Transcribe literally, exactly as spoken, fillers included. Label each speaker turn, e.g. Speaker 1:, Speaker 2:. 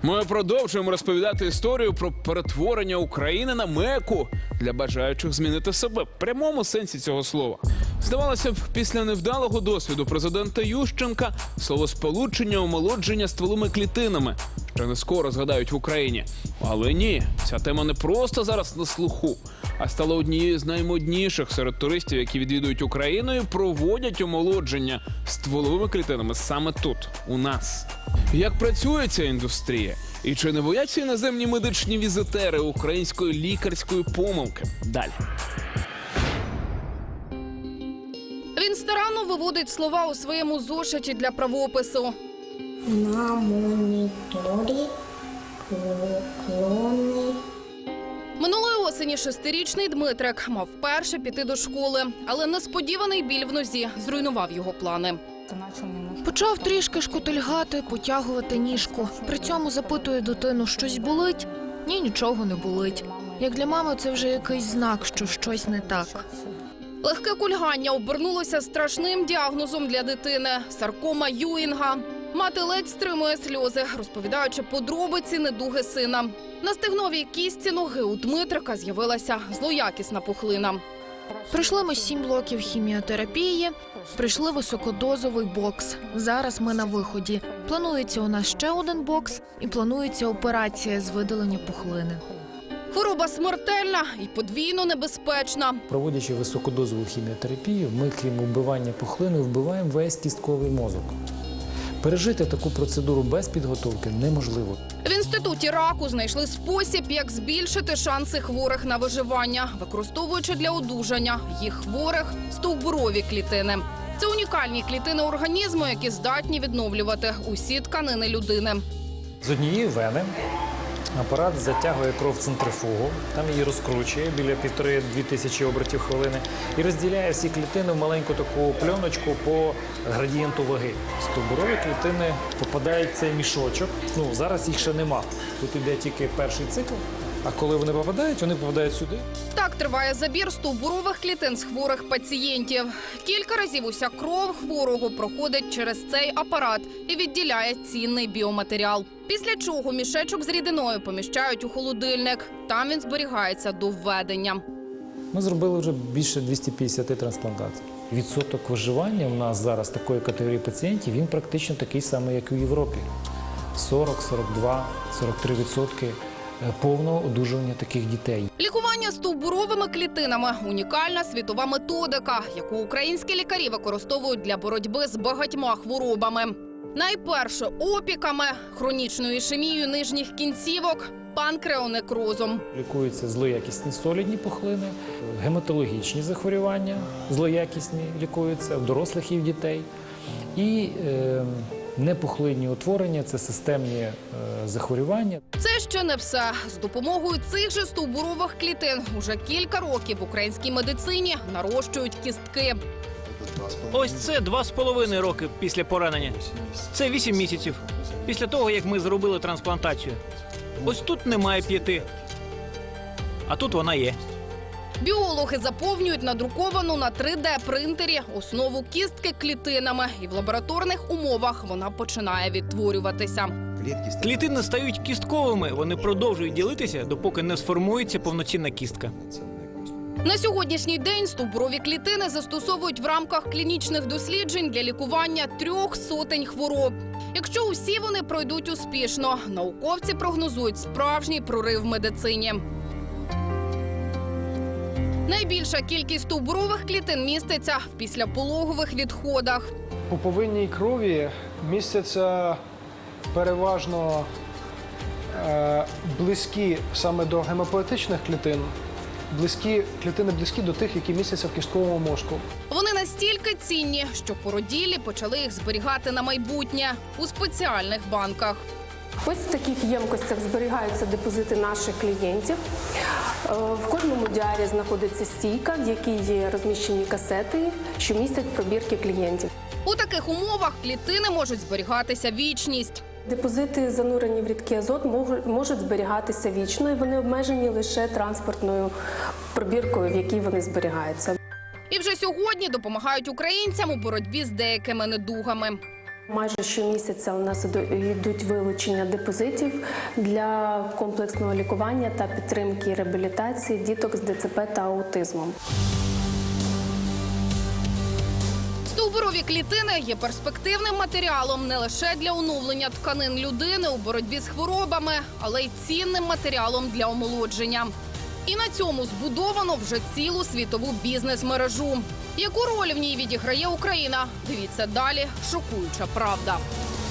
Speaker 1: Ми продовжуємо розповідати історію про перетворення України на Мекку для бажаючих змінити себе в прямому сенсі цього слова. Здавалося б, після невдалого досвіду президента Ющенка словосполучення омолодження стволовими клітинами ще не скоро згадають в Україні. Але ні, ця тема не просто зараз на слуху, а стала однією з наймодніших серед туристів, які відвідують Україну і проводять омолодження стволовими клітинами саме тут, у нас. Як працює ця індустрія? І чи не бояться іноземні медичні візитери української лікарської помилки? Далі.
Speaker 2: Він старанно виводить слова у своєму зошиті для правопису.
Speaker 3: На моніторі поклони.
Speaker 2: Минулої осені шестирічний Дмитрик мав вперше піти до школи, але несподіваний біль в нозі зруйнував його плани.
Speaker 4: Почав трішки шкутильгати, потягувати ніжку. При цьому запитує дитину, щось болить? Ні, нічого не болить. Як для мами, це вже якийсь знак, що щось не так.
Speaker 2: Легке кульгання обернулося страшним діагнозом для дитини – саркома Юінга. Мати ледь стримує сльози, розповідаючи подробиці недуги сина. На стегновій кістці ноги у Дмитрика з'явилася злоякісна пухлина.
Speaker 4: Пройшли ми сім блоків хіміотерапії, прийшли високодозовий бокс. Зараз ми на виході. Планується у нас ще один бокс і планується операція з видалення пухлини.
Speaker 2: Хвороба смертельна і подвійно небезпечна.
Speaker 5: Проводячи високодозову хіміотерапію, ми, крім вбивання пухлини, вбиваємо весь кістковий мозок. Пережити таку процедуру без підготовки неможливо.
Speaker 2: В інституті раку знайшли спосіб, як збільшити шанси хворих на виживання, використовуючи для одужання їх хворих стовбурові клітини. Це унікальні клітини організму, які здатні відновлювати усі тканини людини.
Speaker 5: З однієї вени апарат затягує кров в центрифугу, там її розкручує біля півтори-дві тисячі обертів хвилини і розділяє всі клітини в маленьку таку пленочку по градієнту ваги. Стовбурові клітини попадають в цей мішочок. Ну, зараз їх ще нема. Тут йде тільки перший цикл, а коли вони попадають, вони попадають сюди.
Speaker 2: Так триває забір стовбурових клітин з хворих пацієнтів. Кілька разів уся кров хворого проходить через цей апарат і відділяє цінний біоматеріал. Після чого мішечок з рідиною поміщають у холодильник. Там він зберігається до введення.
Speaker 5: Ми зробили вже більше двісті п'ятдесят трансплантацій. Відсоток виживання у нас зараз такої категорії пацієнтів, він практично такий самий, як і в Європі. сорок, сорок два, сорок три відсотки повного одужування таких дітей.
Speaker 2: Лікування стовбуровими клітинами – унікальна світова методика, яку українські лікарі використовують для боротьби з багатьма хворобами. Найперше опіками, хронічною ішемією нижніх кінцівок, панкреонекрозом.
Speaker 5: Лікуються злоякісні солідні пухлини, гематологічні захворювання, злоякісні лікуються в дорослих і в дітей. І е, непухлинні утворення – це системні е, захворювання.
Speaker 2: Це ще не все. З допомогою цих же стовбурових клітин уже кілька років в українській медицині нарощують кістки.
Speaker 6: Ось це два з половиною роки після поранення. Це вісім місяців після того, як ми зробили трансплантацію. Ось тут немає п'яти, а тут вона є.
Speaker 2: Біологи заповнюють надруковану на три де принтері основу кістки клітинами, і в лабораторних умовах вона починає відтворюватися.
Speaker 6: Клітини стають кістковими, вони продовжують ділитися, допоки не сформується повноцінна кістка.
Speaker 2: На сьогоднішній день стовбурові клітини застосовують в рамках клінічних досліджень для лікування трьох сотень хвороб. Якщо усі вони пройдуть успішно, науковці прогнозують справжній прорив в медицині. Найбільша кількість стовбурових клітин міститься в післяпологових відходах.
Speaker 7: У пуповинній крові містяться переважно е, близькі саме до гемопоетичних клітин, близькі, клітини близькі до тих, які містяться в кістковому мозку.
Speaker 2: Вони настільки цінні, що породіллі почали їх зберігати на майбутнє у спеціальних банках.
Speaker 8: Ось в таких ємкостях зберігаються депозити наших клієнтів. В кожному діарі знаходиться стійка, в якій є розміщені касети, що містять пробірки клієнтів.
Speaker 2: У таких умовах клітини можуть зберігатися вічність.
Speaker 8: Депозити, занурені в рідкий азот, можуть зберігатися вічно, і вони обмежені лише транспортною пробіркою, в якій вони зберігаються.
Speaker 2: І вже сьогодні допомагають українцям у боротьбі з деякими недугами.
Speaker 8: Майже щомісяця у нас іду- йдуть вилучення депозитів для комплексного лікування та підтримки і реабілітації діток з ДЦП та аутизмом.
Speaker 2: Стовбурові клітини є перспективним матеріалом не лише для оновлення тканин людини у боротьбі з хворобами, але й цінним матеріалом для омолодження. І на цьому збудовано вже цілу світову бізнес-мережу. Яку роль в ній відіграє Україна? Дивіться далі. Шокуюча правда.